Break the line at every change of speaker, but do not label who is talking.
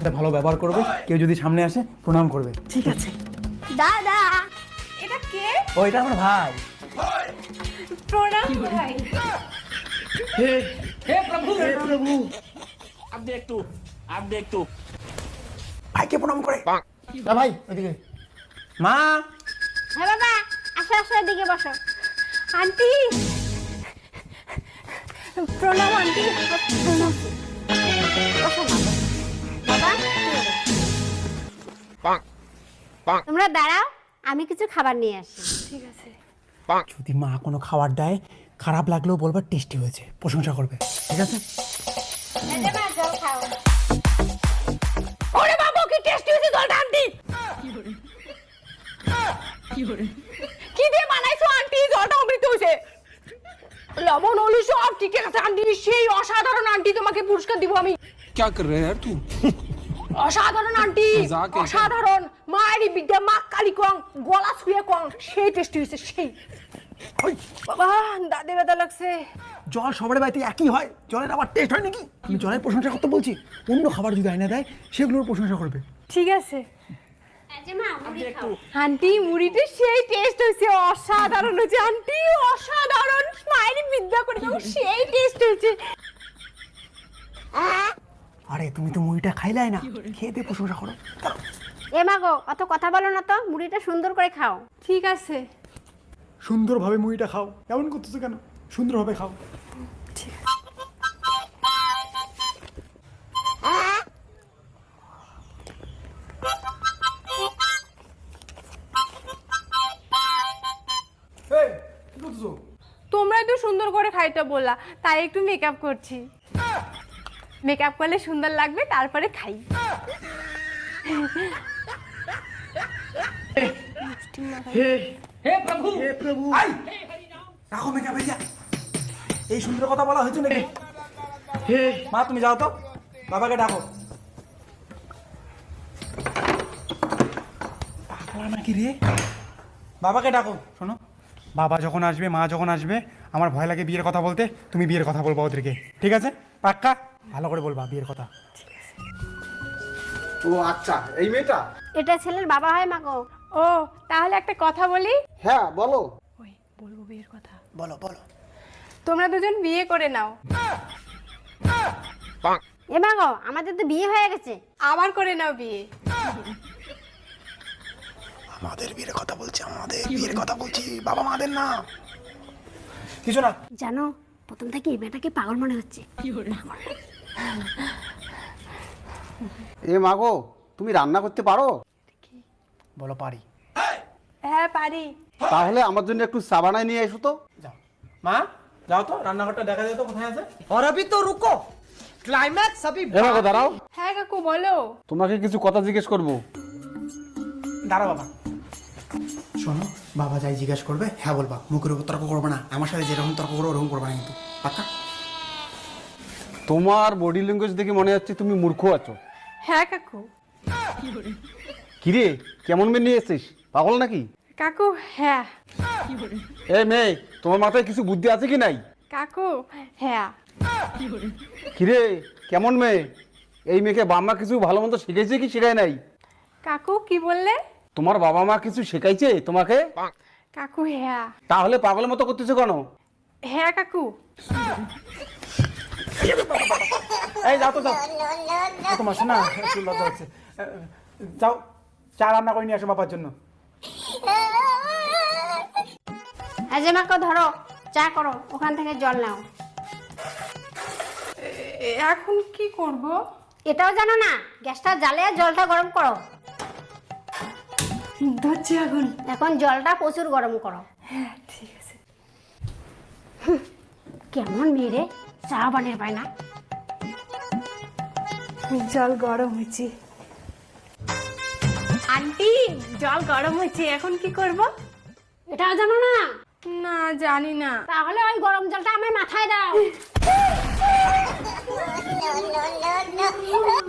ভালো ব্যবহার করবে, কেউ যদি সামনে আসে প্রণাম করবে।
ঠিক আছে।
দাদা
এটা কে?
ও এটা আমার ভাই।
প্রণাম ভাই।
हे प्रभु हे प्रभु आप देख तू
ভাইকে প্রণাম করে। না ভাই ওইদিকে। মা
হ্যাঁ বাবা, আসো আসো, এদিকে বসো।
আন্টি প্রণাম আন্টি। প্রণাম।
বসো মা, বসো। বাবা তোমরা দাঁড়াও, আমি কিছু খাবার নিয়ে আসি।
ঠিক আছে।
যদি মা কোনো খাবার দেয় খারাপ লাগলেও বলবে টেস্টি হয়েছে, প্রশংসা করবে, ঠিক আছে?
জল খাও।
ওরে বাবা কি টেস্টি হয়েছে জলটা আন্টি। কি দিয়ে বানাইছো আন্টি? জলটা অমৃত হয়েছে। লবণ হলু সব ঠিক আছে আন্টি, সেই অসাধারণ আন্টি, তোমাকে পুরস্কার দিব আমি।
क्या कर रहे हैं यार तू
অসাধারণ আন্টি,
মজাক এটা।
অসাধারণ। মায়েরই বিদ্যা, মা কালী কং, গলা ছুঁয়ে কং, সেই টেস্টি হয়েছে সেই। ওই বাবা দাঁতে ব্যথা লাগছে।
জল সবার বাড়িতে একই হয়, জলের আবার টেস্ট হয় নাকি? আমি জলের প্রশংসা করতে বলছি, অন্য খাবার যদি আয়না দেয় সেগুলোর প্রশংসা করবে।
ঠিক আছে
মা মুড়ি খাও।
আন্টি, মুড়িতে সেই টেস্ট হয়েছে, অসাধারণ হয়েছে আন্টি, অসাধারণ। মায়েরই বিদ্যা করে দাও, সেই টেস্ট হয়েছে।
আরে তুমি তো মুড়িটা খাইলাই না, খেয়ে দিয়ে প্রশংসা করো।
এ মা গো, অত কথা বলো না তো, মুড়িটা সুন্দর করে খাও।
ঠিক আছে।
সুন্দরভাবে মুড়িটা খাও, এমন করতেছো কেন? সুন্দরভাবে খাও। এই, কি করতেছো?
তোমরাই তো সুন্দর করে খাইতে বললা, তাই একটু মেকআপ করছি। মেকআপ করলে সুন্দর লাগবে, তারপরে খাই।
हे प्रभु
হে প্রভু, আই রাখো মেকআপ হয়ে যা। এই সুন্দর কথা বলা হয়েছে নাকি? হে মা, তুমি যাও তো, বাবাকে ডাকো। পাগলা নাকি রে? বাবাকে ডাকো। শোনো, বাবা যখন আসবে, মা যখন আসবে, আমার ভয় লাগে বিয়ের কথা বলতে, তুমি বিয়ের কথা বলবা ওদেরকে, ঠিক আছে? পাক্কা ভালো করে বলবা বিয়ের কথা।
ও আচ্ছা, এই মেয়েটা?
এটা ছেলের বাবা হয় মা গো।
ও তাহলে একটা কথা বলি।
হ্যাঁ বলো।
ওই বলবো বিয়ের কথা।
বলো বলো।
তোমরা দুজন বিয়ে করে নাও।
এ মা গো, আমাদের তো বিয়ে হয়ে গেছে।
আবার করে নাও বিয়ে।
আমাদের বিয়ের কথা বলছি, আমাদের বিয়ের কথা বলছি, বাবা মাদের না। কিছু না।
জানো, প্রথম থেকে এই মেয়েটাকে পাগল মনে হচ্ছে।
এ মাগো, তুমি রান্না করতে পারো?
বলো পারি।
হ্যাঁ পারি।
তাহলে আমার জন্য একটু চা বানায় নিয়ে এসো তো।
যাও মা, যাও তো, রান্নাঘরটা দেখা যায় তো কোথায় আছে।
और अभी तो रुको, क्लाइमैक्स अभी
এ মাগো দাঁড়াও,
হ্যাঁ কাকু বলো।
তোমাকে কিছু কথা জিজ্ঞেস করবো।
দাঁড়া বাবা। শোনো, বাবা যাই জিজ্ঞেস করবে হ্যাঁ বলবা, মুখের উপর তর্ক করবে না। আমার সাথে যেরকম তর্ক করো ওরকম করবে না কিন্তু, পাক্কা?
তোমার বডি ল্যাঙ্গুয়েজ দেখে মনে হচ্ছে তুমি মূর্খ আছো।
হ্যাঁ কাকু।
কিরে, কেমন মেয়ে নিয়ে এসছিস? পাগল নাকি?
কাকু হ্যাঁ।
এ মেয়ে, তোমার মাথায় কিছু বুদ্ধি আছে কি নাই?
কাকু হ্যাঁ।
কিরে, কেমন মেয়ে? এই মেয়েকে বাবা মা কিছু ভালো মন্দ শিখেছে কি শেখায় নাই?
কাকু কি বললে?
তোমার বাবা মা কিছু শেখাইছে তোমাকে?
কাকু হ্যাঁ।
তাহলে পাগলের মতো করতেছো কেন?
হ্যাঁ কাকু।
এই যাও তো, যাও। তোমার শোনা একটু লজ্জা হচ্ছে। যাও, চা রান্না করে নিয়ে আসো বাবার জন্য।
এই যে মা গো, ধরো চা করো, ওখান থেকে জল নাও।
এখন কি করব?
এটাও জানো না? গ্যাসটা জ্বালিয়ে জলটা গরম করো।
ধরছি এখন।
এখন জলটা প্রচুর গরম করো।
হ্যাঁ ঠিক আছে।
কেমন মেয়ে রে, চা বানিয়ে পায় না।
জল গরম হয়েছে। আন্টি জল গরম হয়েছে, এখন কি করব?
এটাও জানো না?
না জানি না।
তাহলে ওই গরম জলটা আমার মাথায় দাও।